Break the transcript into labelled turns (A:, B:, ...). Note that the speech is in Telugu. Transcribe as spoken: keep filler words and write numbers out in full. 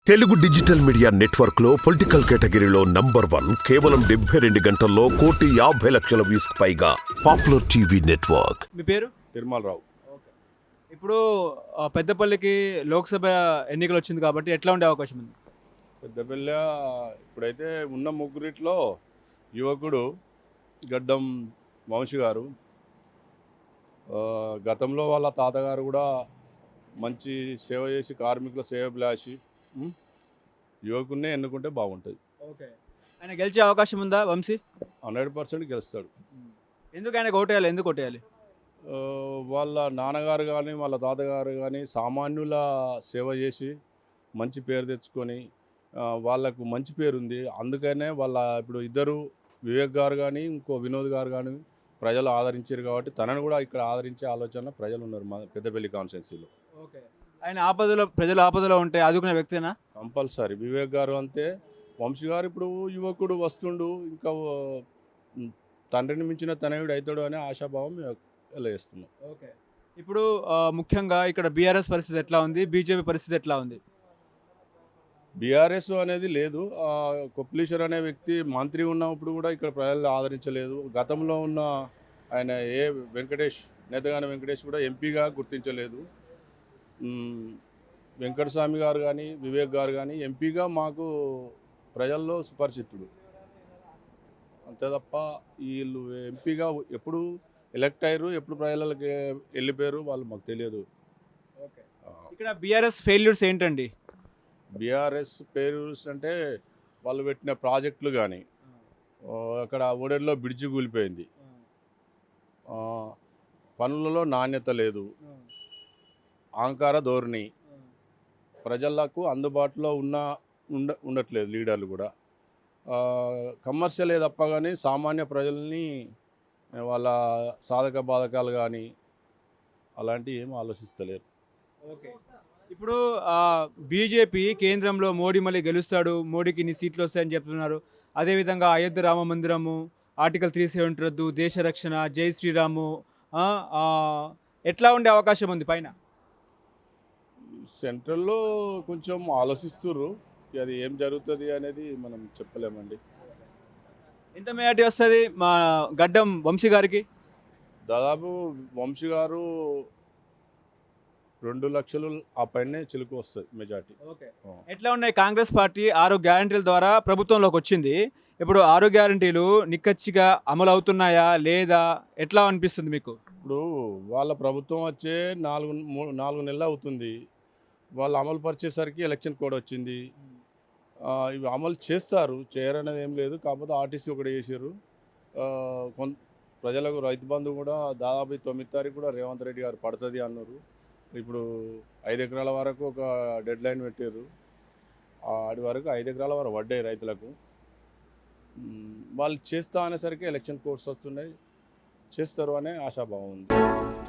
A: తెలుగు డిజిటల్ మీడియా నెట్వర్క్ లో పొలిటికల్ కేటగిరీలో నంబర్ వన్ కేవలం డెబ్బై రెండు గంటల్లో కోటి యాభై లక్షల వ్యూస్ పైగా పాపులర్ టీవీ నెట్వర్క్.
B: మీ పేరు?
C: తిరుమలరావు.
B: ఇప్పుడు ఆ, పెద్దపల్లికి లోక్సభ ఎన్నికలు వచ్చింది కాబట్టి ఎట్లా ఉండే అవకాశం ఉంది?
C: పెద్దపల్లి ఇప్పుడైతే ఉన్న ముగ్గురిట్లో యువకుడు గడ్డం వంశీ గారు, ఆ, గతంలో వాళ్ళ తాతగారు కూడా మంచి సేవ చేసి కార్మికుల సేవ బ్లాసి యువకున్నే ఎన్నుకుంటే బాగుంటుంది.
B: ఓకే, ఆయన గెలిచే అవకాశం ఉందా వంశీ?
C: హండ్రెడ్ పర్సెంట్ గెలుస్తాడు.
B: ఎందుకు ఆయనకు ఓటేయాలి? ఎందుకు ఓటేయాలి?
C: ఆ, వాళ్ళ నాన్నగారు కానీ వాళ్ళ తాతగారు కానీ సామాన్యుల సేవ చేసి మంచి పేరు తెచ్చుకొని ఆ, వాళ్ళకు మంచి పేరు ఉంది. అందుకనే వాళ్ళ ఇప్పుడు ఇద్దరు వివేక్ గారు కానీ ఇంకో వినోద్ గారు కానీ ప్రజలు ఆదరించారు కాబట్టి తనను కూడా ఇక్కడ ఆదరించే ఆలోచన ప్రజలు ఉన్నారు మా పెద్దపల్లి కాన్స్టిట్యున్సీలో.
B: ఓకే, ఆయన ఆపదలో, ప్రజలు ఆపదలో ఉంటే ఆదుకునే వ్యక్తినా?
C: కంపల్సరీ వివేక్ గారు అంతే. వంశీ గారు ఇప్పుడు యువకుడు వస్తుండు, ఇంకా ఉమ్, తండ్రిని మించిన తనయుడు అవుతాడు అనే ఆశాభావం వేస్తున్నాం.
B: ఓకే, ఇప్పుడు ఆ, ముఖ్యంగా ఇక్కడ బీఆర్ఎస్ పరిస్థితి ఎట్లా ఉంది, బీజేపీ పరిస్థితి ఎట్లా ఉంది?
C: బీఆర్ఎస్ అనేది లేదు. ఆ, కొప్లీశ్వర్ అనే వ్యక్తి మంత్రి ఉన్నప్పుడు కూడా ఇక్కడ ప్రజలు ఆదరించలేదు. గతంలో ఉన్న ఆయన ఏ వెంకటేష్ నేతగాని వెంకటేష్ కూడా ఎంపీగా గుర్తించలేదు. ఉమ్, వెంకటస్వామి గారు కానీ వివేక్ గారు కానీ ఎంపీగా మాకు ప్రజల్లో సుపరిచితుడు. అంతే తప్ప వీళ్ళు ఎంపీగా ఎప్పుడు ఎలక్ట్ అయ్యారు, ఎప్పుడు ప్రజలకి వెళ్ళిపోయారు వాళ్ళు మాకు తెలియదు.
B: ఓకే, ఇక్కడ బీఆర్ఎస్ ఫెయిల్యూర్స్ ఏంటండి?
C: బీఆర్ఎస్ పేరు అంటే వాళ్ళు పెట్టిన ప్రాజెక్టులు కానీ, అక్కడ ఓడేరులో బ్రిడ్జి కూలిపోయింది, ఆ, పనులలో నాణ్యత లేదు, అహంకార ధోరణి, ప్రజలకు అందుబాటులో ఉన్న ఉండ ఉండట్లేదు లీడర్లు కూడా. కమర్షియలే తప్ప కానీ సామాన్య ప్రజల్ని వాళ్ళ సాధక బాధకాలు కానీ అలాంటివి ఏం ఆలోచిస్తలేరు.
B: ఓకే, ఇప్పుడు బీజేపీ కేంద్రంలో మోడీ మళ్ళీ గెలుస్తాడు, మోడీకి ఇన్ని సీట్లు వస్తాయని చెప్తున్నారు. అదేవిధంగా అయోధ్య రామ మందిరము, ఆర్టికల్ త్రీ సెవెంటీ రద్దు, దేశ రక్షణ, జై శ్రీరాము, ఆ, ఆ, ఎట్లా ఉండే అవకాశం ఉంది పైన?
C: సెంట్రల్లో కొంచెం ఆలోచిస్తుర్రు, అది ఏం జరుగుతుంది అనేది మనం చెప్పలేమండి.
B: ఎంత మెజార్టీ వస్తుంది మా గడ్డం వంశీ గారికి?
C: దాదాపు వంశీ గారు రెండు లక్షలు ఆ పైనే చిలుకు వస్తుంది మెజార్టీ.
B: ఓకే, ఎట్లా ఉన్నాయి? కాంగ్రెస్ పార్టీ ఆరు గ్యారంటీల ద్వారా ప్రభుత్వంలోకి వచ్చింది. ఇప్పుడు ఆరు గ్యారంటీలు నిక్కచ్చిగా అమలు అవుతున్నాయా లేదా, ఎట్లా అనిపిస్తుంది మీకు?
C: ఇప్పుడు వాళ్ళ ప్రభుత్వం వచ్చే నాలుగు మూడు నాలుగు నెలలు అవుతుంది. వాళ్ళు అమలు పరిచేసరికి ఎలక్షన్ కోడ్ వచ్చింది. ఆ, ఇవి అమలు చేస్తారు, చేయరనేది ఏం లేదు. కాకపోతే ఆర్టీసీ ఒకటి చేసారు. కొంత ప్రజలకు రైతు బంధు కూడా దాదాపు తొమ్మిది తారీఖు కూడా రేవంత్ రెడ్డి గారు పడుతుంది అన్నారు. ఇప్పుడు ఐదు ఎకరాల వరకు ఒక డెడ్ లైన్ పెట్టారు. ఆడి వరకు ఐదు ఎకరాల వరకు పడ్డాయి రైతులకు. వాళ్ళు చేస్తా అనేసరికి ఎలక్షన్ కోడ్స్ వస్తున్నాయి, చేస్తారు అనే ఆశాభావం ఉంది.